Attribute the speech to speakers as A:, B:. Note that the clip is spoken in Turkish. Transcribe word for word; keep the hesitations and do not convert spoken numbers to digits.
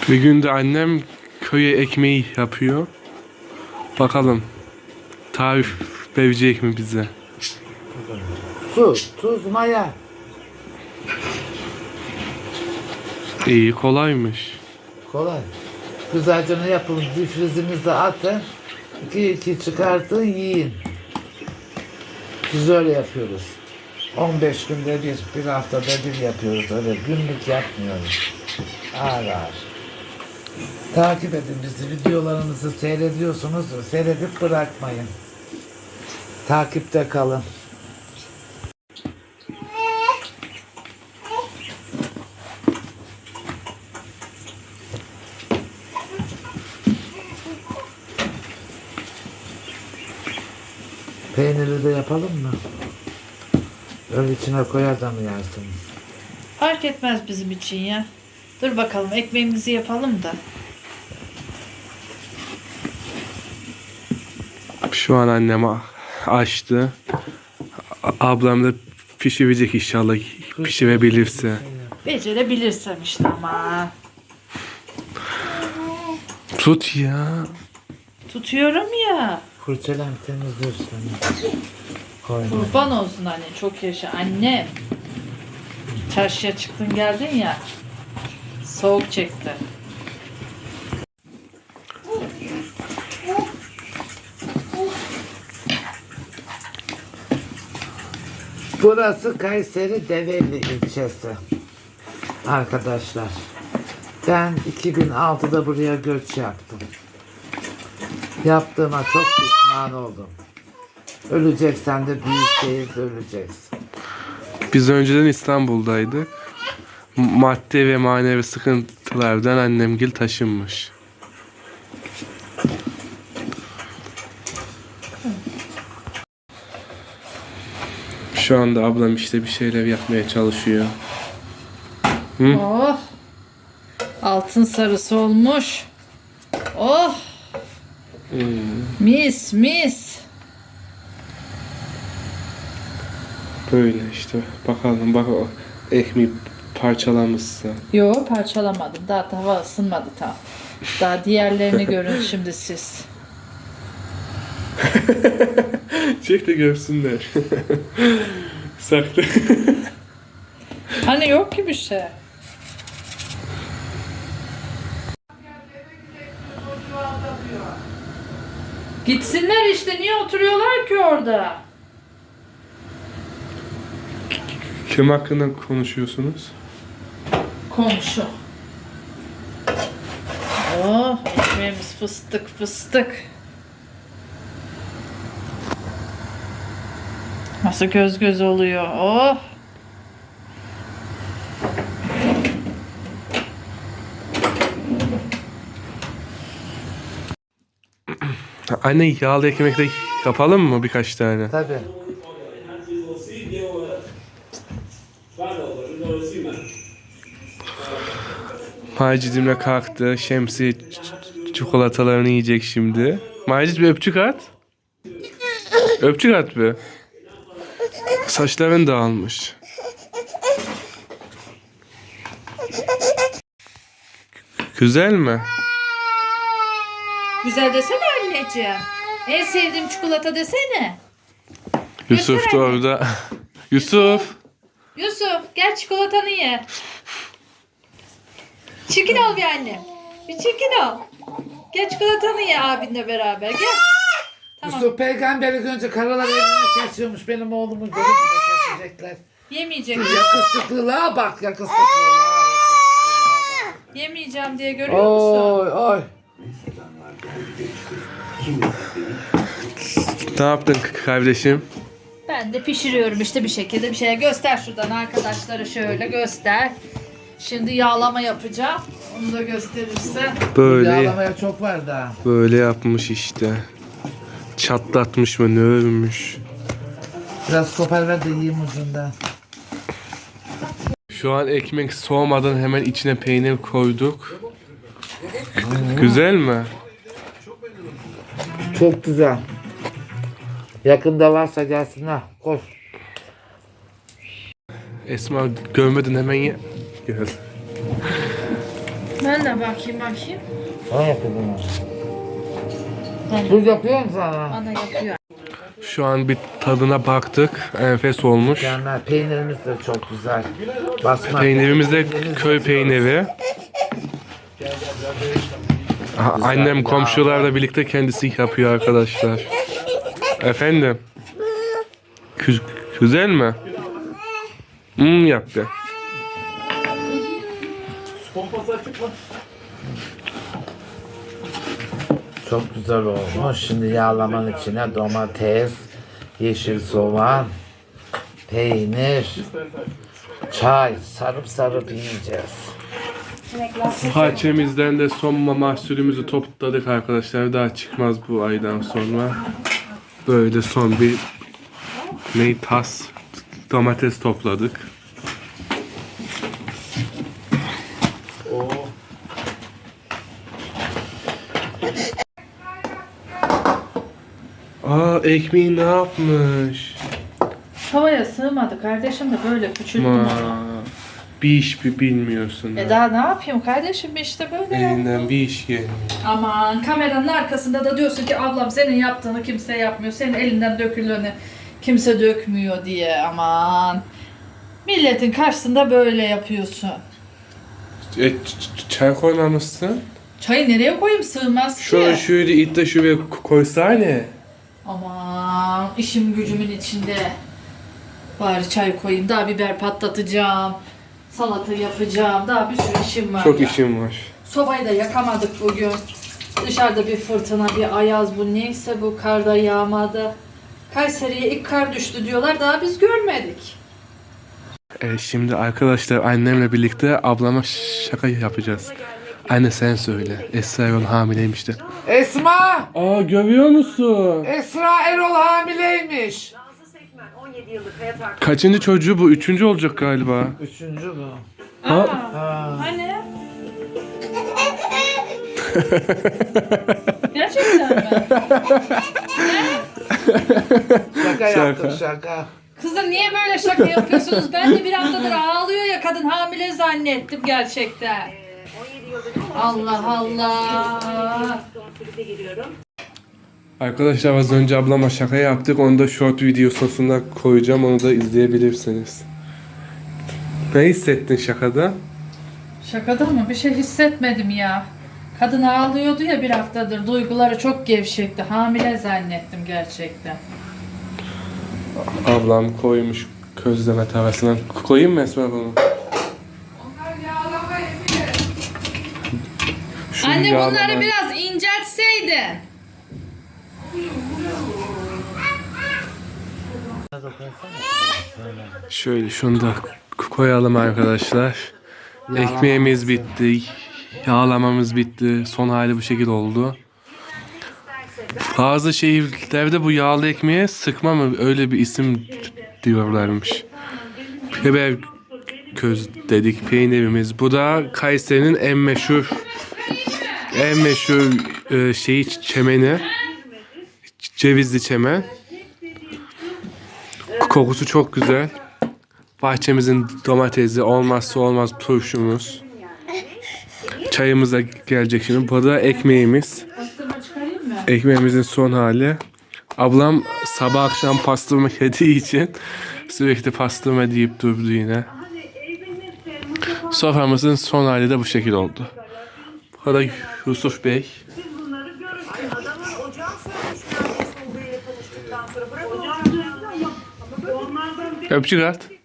A: Bir gün de annem köye ekmeği yapıyor. Bakalım tarif verecek mi bize?
B: Su, tuz, maya.
A: İyi, kolaymış.
B: Kolay. Güzelce ne yapın? Difrizinize atın. İki iki çıkartın, yiyin. Biz öyle yapıyoruz. on beş günde bir, bir haftada bir yapıyoruz. Öyle günlük yapmıyoruz. Ağır ağır. Takip edin bizi. Videolarımızı seyrediyorsunuz. Seyredip bırakmayın. Takipte kalın. Peyniri de yapalım mı? Öyle içine koyar da mı yersiniz?
C: Fark etmez bizim için ya. Dur bakalım ekmeğimizi yapalım da.
A: Şu an annem a- açtı. A- Ablam da pişirecek inşallah, pişirebilirse.
C: Becerebilirsem işte ama.
A: Tut ya.
C: Tutuyorum ya.
B: Fırçalan temizliyorsun. Koyma.
C: Kurban olsun anne, çok yaşa anne. Çarşıya çıktın geldin ya. Soğuk çekti.
B: Burası Kayseri Develi ilçesi. Arkadaşlar. Ben iki bin altıda buraya göç yaptım. Yaptığıma çok pişman oldum. Öleceksen de büyük şehirde öleceksin.
A: Biz önceden İstanbul'daydık. M- Maddi ve manevi sıkıntılardan annemgil taşınmış. Şu anda ablam işte bir şeyler yapmaya çalışıyor. Hı?
C: Oh. Altın sarısı olmuş. Oh.
A: Hmm.
C: Mis mis.
A: Böyle işte. Bakalım bak o ekmeği parçalamışsa.
C: Yo, parçalamadım. Daha tava ısınmadı tam. Daha diğerlerini görün şimdi siz.
A: Çek de görsünler. Saklı.
C: Hani yok ki bir şey. Gitsinler işte, niye oturuyorlar ki orada?
A: Kim hakkında konuşuyorsunuz?
C: Komşu. Oh, ekmeğimiz fıstık fıstık. Nasıl göz göz oluyor. Oh.
A: Anne, yağlı ekmek de yapalım mı birkaç tane?
B: Tabii.
A: Macidimle kalktı. Şemsi ç- çikolatalarını yiyecek şimdi. Macit, bir öpücük at. Öpücük at bir. Saçların dağılmış. Güzel mi?
C: Güzel desene anneciğim. En sevdiğim çikolata desene.
A: Yusuf da
C: Göster anne.
A: orada. Yusuf.
C: Yusuf gel çikolatanı ye. Çirkin ol bir anne. Bir çirkin ol. Gel çikolatanı ye abinle beraber gel. Tamam.
B: Yusuf peygamberi görünce karalar elini kesiyormuş. Benim oğlumu görünce de kesecekler.
C: Yemeyecek.
B: Yakışıklılığa bak, yakışıklılığa.
C: Yemeyeceğim diye görüyor musun?
B: Oy oy.
A: Ne yaptın kardeşim?
C: Ben de pişiriyorum işte bir şekilde bir şey. Göster şuradan arkadaşlara, şöyle göster. Şimdi yağlama yapacağım. Onu da gösterirsen.
A: Böyle
B: Yağlamaya çok var daha.
A: böyle yapmış işte. Çatlatmış mı, ne örmüş.
B: Biraz kopar ver de yiyeyim ucundan.
A: Şu an ekmek soğumadan hemen içine peynir koyduk. Güzel mi?
B: Çok güzel. Yakında varsa gelsinler. Koş.
A: Esma, görmeden hemen ye. Gel.
C: Ben de bakayım bakayım.
B: Ben yapıyorum.
C: Ben,
B: Dur yapıyorum sana.
C: bana yapıyor.
A: Şu an bir tadına baktık. Enfes olmuş.
B: Canlar peynirimiz de çok güzel. Basma
A: Peynirimiz de
B: peynirimiz
A: köy peyniri. Aha, annem komşularla birlikte kendisi yapıyor arkadaşlar. Efendim? Güz- güzel mi? Hmm yaptı.
B: Çok güzel olmuş. Şimdi yağlamanın içine domates, yeşil soğan, peynir, çay sarıp sarıp yiyeceğiz.
A: Bahçemizden de son mahsulümüzü topladık arkadaşlar. Daha çıkmaz bu aydan sonra. Böyle son bir ne tas domates topladık. Aa ekmeği ne yapmış?
C: Havaya sığmadı kardeşim de böyle küçülttüm
A: Ma,
C: onu.
A: bir iş bir bilmiyorsun.
C: E
A: ha.
C: daha ne yapayım kardeşim işte böyle ya.
A: Elinden bir iş gelmiyor.
C: Aman kameranın arkasında da diyorsun ki ablam senin yaptığını kimse yapmıyor. Senin elinden döküleni kimse dökmüyor diye aman. Milletin karşısında böyle yapıyorsun.
A: E, ç- ç- çay koymamışsın.
C: Çayı nereye koyayım sığmaz ki.
A: Şöyle şöyle it de şuraya koysana.
C: Aman işim gücümün içinde. Bari çay koyayım. Daha biber patlatacağım. Salata yapacağım. Daha bir sürü işim var
A: Çok
C: ya.
A: işim var.
C: Sobayı da yakamadık bugün. Dışarıda bir fırtına, bir ayaz bu neyse bu karda yağmadı. Kayseri'ye ilk kar düştü diyorlar. Daha biz görmedik.
A: E, şimdi arkadaşlar annemle birlikte ablama şaka yapacağız. Anne sen söyle. Esra Erol hamileymiş de.
B: Esma!
A: Aa görüyor musun?
B: Esra Erol hamileymiş.
A: Kaçıncı çocuğu bu? Üçüncü olacak galiba.
B: Üçüncü bu.
A: Ha?
B: Ha.
C: Hani? Gerçekten mi?
B: Şaka
A: Şaka.
B: yaptık şaka.
C: Kızım niye böyle şaka yapıyorsunuz? Ben de bir haftadır ağlıyor ya kadın hamile zannettim gerçekten. Allah Allah.
A: Arkadaşlar az önce ablama şaka yaptık. Onu da short videosuna koyacağım. Onu da izleyebilirsiniz. Ne hissettin şakada?
C: Şakada mı? Bir şey hissetmedim ya. Kadın ağlıyordu ya bir haftadır. Duyguları çok gevşekti. Hamile zannettim gerçekten.
A: Ablam koymuş közleme tavasına. Koyayım mı Esma bunu? Şu
C: Anne
A: yağlama-
C: bunları biraz inceltseydin.
A: Şöyle şunu da koyalım arkadaşlar. Ekmeğimiz bitti. Yağlamamız bitti. Son hali bu şekilde oldu. Bazı şehirlerde bu yağlı ekmeğe sıkma mı öyle bir isim diyorlarmış. Biber köz dedik peynirimiz. Bu da Kayseri'nin en meşhur en meşhur e, şeyi çemeni. Cevizli çemen. Kokusu çok güzel. Bahçemizin domatesi, olmazsa olmaz turşumuz. Çayımız da gelecek şimdi. Bu da ekmeğimiz.
C: Pastırma çıkarayım mı?
A: Ekmeğimizin son hali. Ablam sabah akşam pastırma yediği için sürekli pastırma deyip durdu yine. Soframızın son hali de bu şekil oldu. Bu da Yusuf Bey. Öpücük at.